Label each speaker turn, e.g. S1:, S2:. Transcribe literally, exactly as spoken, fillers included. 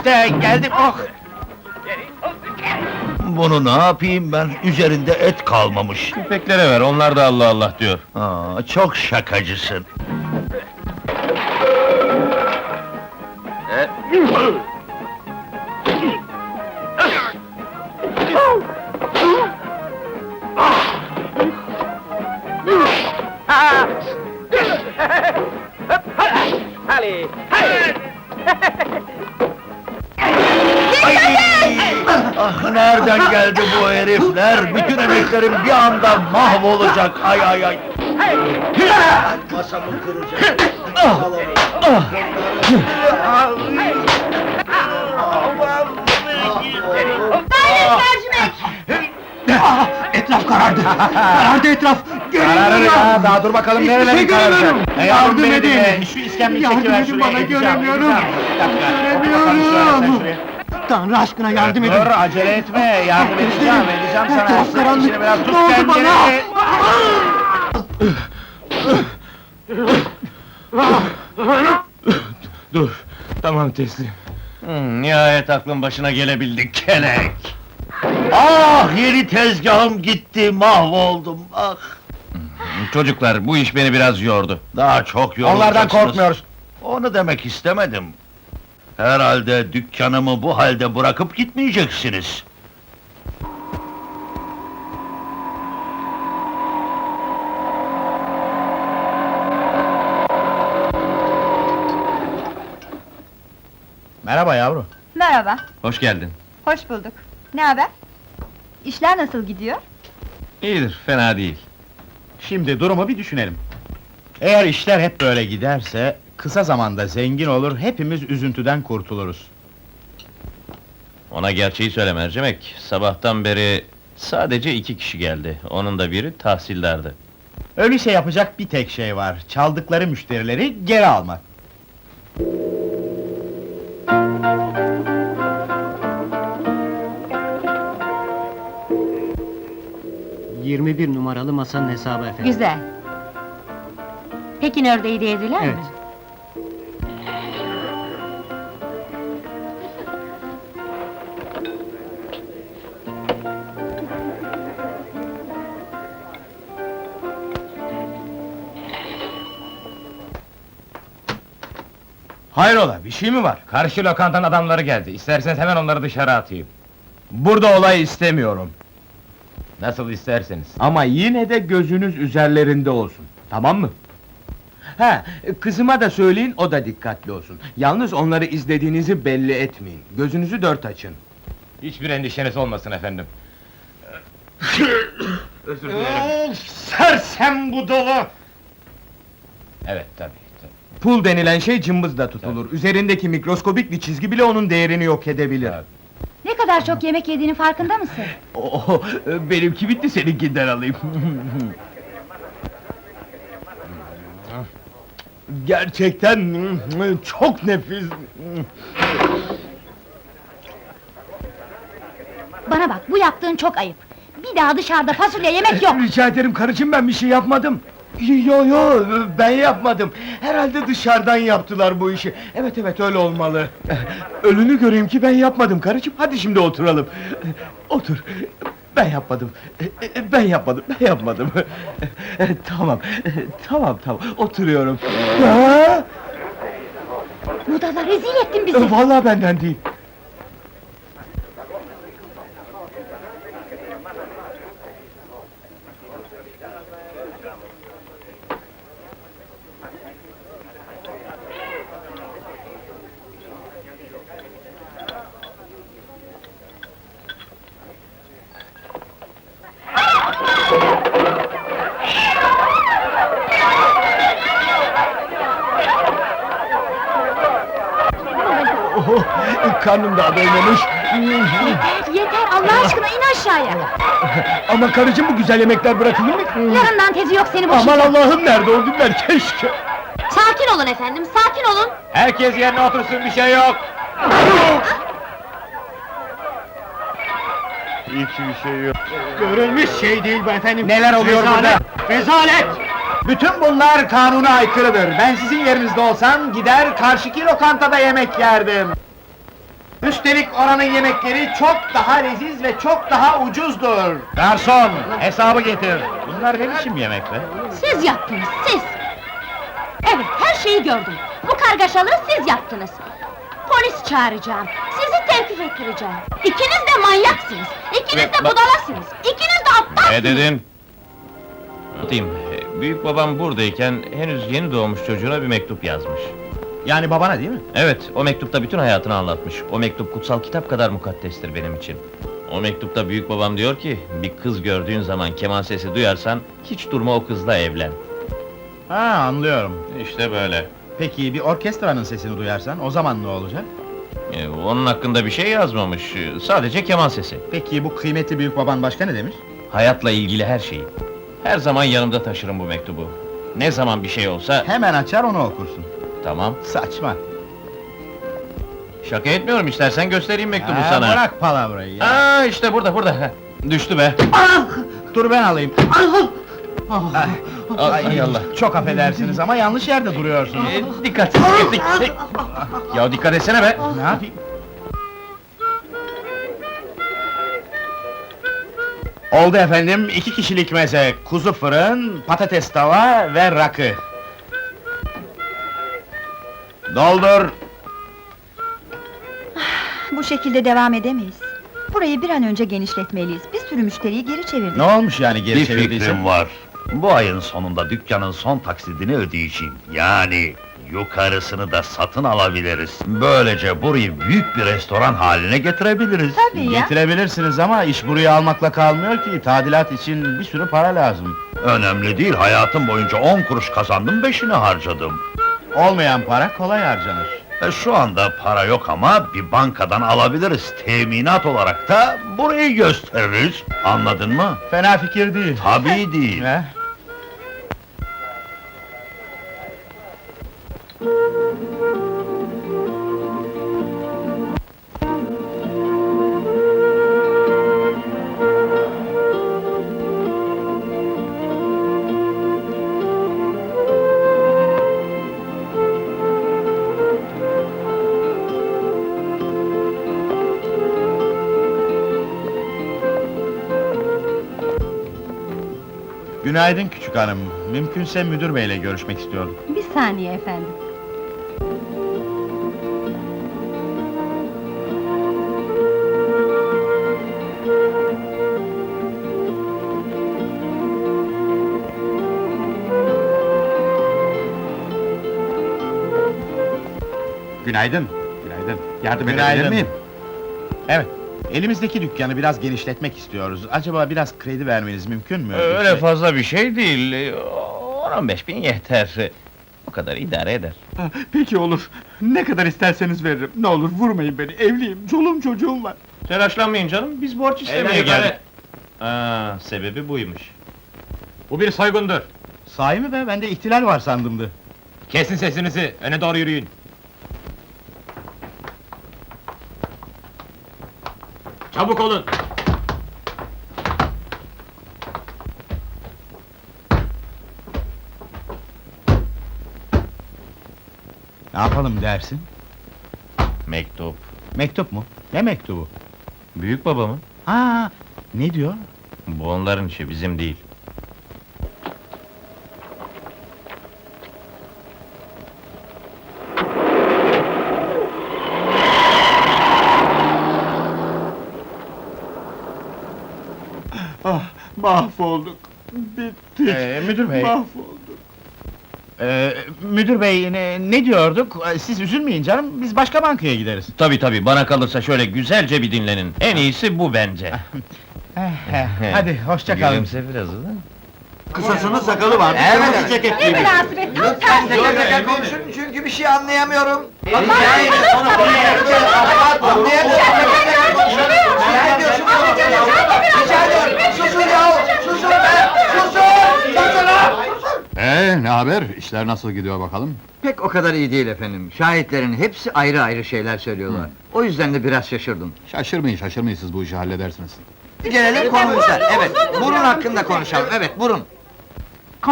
S1: işte, geldim, oh!
S2: Bunu ne yapayım ben? Üzerinde et kalmamış.
S1: Köpeklere ver, onlar da Allah Allah diyor.
S2: Aa, çok şakacısın.
S3: Hadi!
S2: Ay! Ah, nereden geldi bu herifler? Bütün emeklerim bir anda mahvolacak. Ay ay ay! Masamı kıracak. Ah! Ah!
S3: Ah, etraf karardı! Karardı etraf!
S1: Kararır ya, daha dur bakalım nerelerin kararacak? E,
S3: Yardım
S1: beni
S3: edin!
S1: dinle, Şu iskemleyi
S3: Yardım
S1: çekiver
S3: edin
S1: şuraya,
S3: bana,
S1: edeceğim,
S3: göremiyorum!
S1: edeceğim. Bir dakika, otur bakalım şöyle sen
S3: Göremiyorum!
S1: şuraya.
S3: Tanrı aşkına yardım edin!
S1: Dur, acele etme, yardım edeceğim, edeceğim sana.
S3: Etraf karanlık!
S1: İşini biraz tut
S3: Ne oldu
S1: kendini.
S3: bana?
S1: Dur, tamam teslim. Hmm, nihayet aklın başına gelebildik, kelek!
S2: Ah! Yeni tezgahım gitti, mahvoldum. Ah!
S1: Çocuklar, bu iş beni biraz yordu.
S2: Daha çok yorulacaksınız.
S1: Onlardan korkmuyoruz.
S2: Onu demek istemedim. Herhalde dükkanımı bu halde bırakıp gitmeyeceksiniz.
S1: Merhaba yavru.
S4: Merhaba,
S1: Hoş geldin.
S4: hoş bulduk. Ne haber? İşler nasıl gidiyor?
S1: İyidir, fena değil.
S5: Şimdi durumu bir düşünelim. Eğer işler hep böyle giderse, kısa zamanda zengin olur, hepimiz üzüntüden kurtuluruz.
S1: Ona gerçeği söyle mercimek. Sabahtan beri sadece iki kişi geldi. Onun da biri tahsildardı.
S5: Öyleyse yapacak bir tek şey var, çaldıkları müşterileri geri almak.
S3: yirmi bir numaralı masanın hesabı efendim.
S4: Güzel. Pekin ördeği de yediler
S3: Evet.
S4: mi?
S5: Hayrola, bir şey mi var?
S1: Karşı lokantanın adamları geldi. İsterseniz hemen onları dışarı atayım.
S5: Burada olay istemiyorum.
S1: Nasıl isterseniz.
S5: Ama yine de gözünüz üzerlerinde olsun, tamam mı? Ha, kızıma da söyleyin, o da dikkatli olsun. Yalnız onları izlediğinizi belli etmeyin. Gözünüzü dört açın.
S1: Hiçbir endişeniz olmasın efendim. Özür dilerim.
S5: Sersem budala!
S1: Evet, tabii, tabii.
S5: Pul denilen şey cımbızla tutulur. Üzerindeki mikroskobik bir çizgi bile onun değerini yok edebilir.
S1: Tabii.
S4: Ne kadar çok yemek yediğinin farkında mısın?
S5: Oh, benimki bitti, seninkinden alayım. Gerçekten çok nefis.
S4: Bana bak, bu yaptığın çok ayıp. Bir daha dışarıda fasulye yemek yok!
S5: Rica ederim karıcığım, ben bir şey yapmadım. Yo yo, ben yapmadım. Herhalde dışarıdan yaptılar bu işi. Evet evet, öyle olmalı. Ölünü göreyim ki ben yapmadım karıcığım. Hadi şimdi oturalım. Otur. Ben yapmadım. Ben yapmadım. Ben yapmadım. Tamam. Tamam tamam. Oturuyorum. Ha?
S4: Budala, rezil ettin bizi!
S5: Vallahi benden değil. Oh, karnım daha doymamış.
S4: Yeter, yeter! Allah aşkına in aşağıya!
S5: Ama karıcığım, bu güzel yemekler bırakılır mı?
S4: Yarından tezi yok seni
S5: Aman
S4: boşayacağım!
S5: Allah'ım, nerede o günler, keşke!
S4: Sakin olun efendim, sakin olun!
S1: Herkes yerine otursun, bir şey yok!
S5: Hiçbir şey yok.
S3: Görülmüş şey değil bu efendim!
S5: Neler oluyor
S3: Rezalet! Rezalet!
S5: Bütün bunlar kanuna aykırıdır. Ben sizin yerinizde olsam, gider karşıki lokantada yemek yerdim. Üstelik oranın yemekleri çok daha leziz ve çok daha ucuzdur. Garson, hesabı getir. Bunlar ne biçim yemek be?
S4: Siz yaptınız, siz! Evet, her şeyi gördüm. Bu kargaşalığı siz yaptınız. Polis çağıracağım, sizi tevkif ettireceğim. İkiniz de manyaksınız, ikiniz de
S1: Bak-
S4: budalasınız, ikiniz de aptalsınız!
S1: Ne dedin? Anlatayım. Büyük babam buradayken henüz yeni doğmuş çocuğuna bir mektup yazmış.
S5: Yani babana değil mi?
S1: Evet, o mektupta bütün hayatını anlatmış. O mektup kutsal kitap kadar mukaddestir benim için. O mektupta büyük babam diyor ki, bir kız gördüğün zaman keman sesi duyarsan, hiç durma o kızla evlen.
S6: Ha, anlıyorum.
S1: İşte böyle.
S6: Peki bir orkestranın sesini duyarsan o zaman ne olacak?
S1: Ee, onun hakkında bir şey yazmamış, sadece keman sesi.
S6: Peki bu kıymetli büyük baban başka ne demiş?
S1: Hayatla ilgili her şeyi. Her zaman yanımda taşırım bu mektubu. Ne zaman bir şey olsa,
S6: Hemen açar onu okursun.
S1: tamam.
S6: Saçma.
S1: Şaka etmiyorum, istersen göstereyim mektubu
S6: Ha,
S1: sana.
S6: Bırak palavrayı ya.
S1: Aa, işte burada, burada. Düştü be.
S6: Dur ben alayım.
S1: Ay, ay Allah.
S6: Çok affedersiniz ama yanlış yerde duruyorsunuz.
S1: Ee, dikkat, dikkat, dikkat. Ya dikkat etsene be.
S6: Ne yapayım? Oldu efendim, iki kişilik meze, kuzu fırın, patates tava ve rakı. Doldur!
S7: Bu şekilde devam edemeyiz. Burayı bir an önce genişletmeliyiz. Bir sürü müşteriyi geri çevirdik.
S6: Ne olmuş yani geri
S2: Bir
S6: çevirdiyse?
S2: fikrim var. Bu ayın sonunda dükkanın son taksidini ödeyeceğim. Yani yukarısını da satın alabiliriz. Böylece burayı büyük bir restoran haline getirebiliriz.
S7: Tabii ya.
S6: Getirebilirsiniz ama iş buraya almakla kalmıyor ki, tadilat için bir sürü para lazım.
S2: Önemli değil, hayatım boyunca on kuruş kazandım, beşini harcadım.
S6: Olmayan para kolay harcanır.
S2: E, şu anda para yok ama bir bankadan alabiliriz. Teminat olarak da burayı gösteririz. Anladın mı?
S6: Fena fikir değil.
S2: Tabii değil.
S6: He? Günaydın küçük hanım. Mümkünse müdür beyle görüşmek istiyorum.
S7: Bir saniye efendim.
S6: Günaydın. Günaydın. Yardım
S5: edebilir
S6: edebilir
S5: miyim?
S6: Evet. Elimizdeki dükkanı biraz genişletmek istiyoruz. Acaba biraz kredi vermeniz mümkün mü?
S1: Öyle
S6: Şey-
S1: fazla bir şey değil. on on beş bin yeter. O kadar idare eder.
S5: Peki olur. Ne kadar isterseniz veririm. Ne olur vurmayın beni. Evliyim, çoluğum çocuğum var.
S1: Telaşlanmayın canım, biz borç istemeye
S5: Eyvallah,
S1: geldik. Aa, sebebi buymuş.
S5: Bu bir soygundur.
S6: Sahi mi be? Ben de ihtilal var sandımdı.
S5: Kesin sesinizi, öne doğru yürüyün. Çabuk olun!
S6: Ne yapalım dersin?
S1: Mektup.
S6: Mektup mu? Ne mektubu?
S1: Büyük babamın.
S6: Ha, ne diyor?
S1: Bu onların işi, bizim değil.
S5: Ah, mahvolduk. Bittik.
S6: Ee, müdür bey.
S5: Mahvolduk.
S6: Ee, müdür bey, ne, ne diyorduk? Ee, Siz üzülmeyin canım, biz başka bankaya gideriz.
S1: Tabii tabii, bana kalırsa şöyle güzelce bir dinlenin. En iyisi bu bence.
S6: Hadi, hoşça kalın.
S1: Gülümse biraz ulan.
S5: Kısasının sakalı var.
S6: Evet.
S5: ceket
S4: Ne münasebet, tam tersi!
S8: Tekrar konuşun çünkü bir şey anlayamıyorum.
S9: Ee, ne haber? İşler nasıl gidiyor bakalım?
S8: Pek o kadar iyi değil efendim. Şahitlerin hepsi ayrı ayrı şeyler söylüyorlar. O yüzden de biraz şaşırdım.
S9: Şaşırmayın, şaşırmayın, siz bu işi halledersiniz.
S8: Gelelim konumuza. Evet, burun hakkında konuşalım. Evet, burun.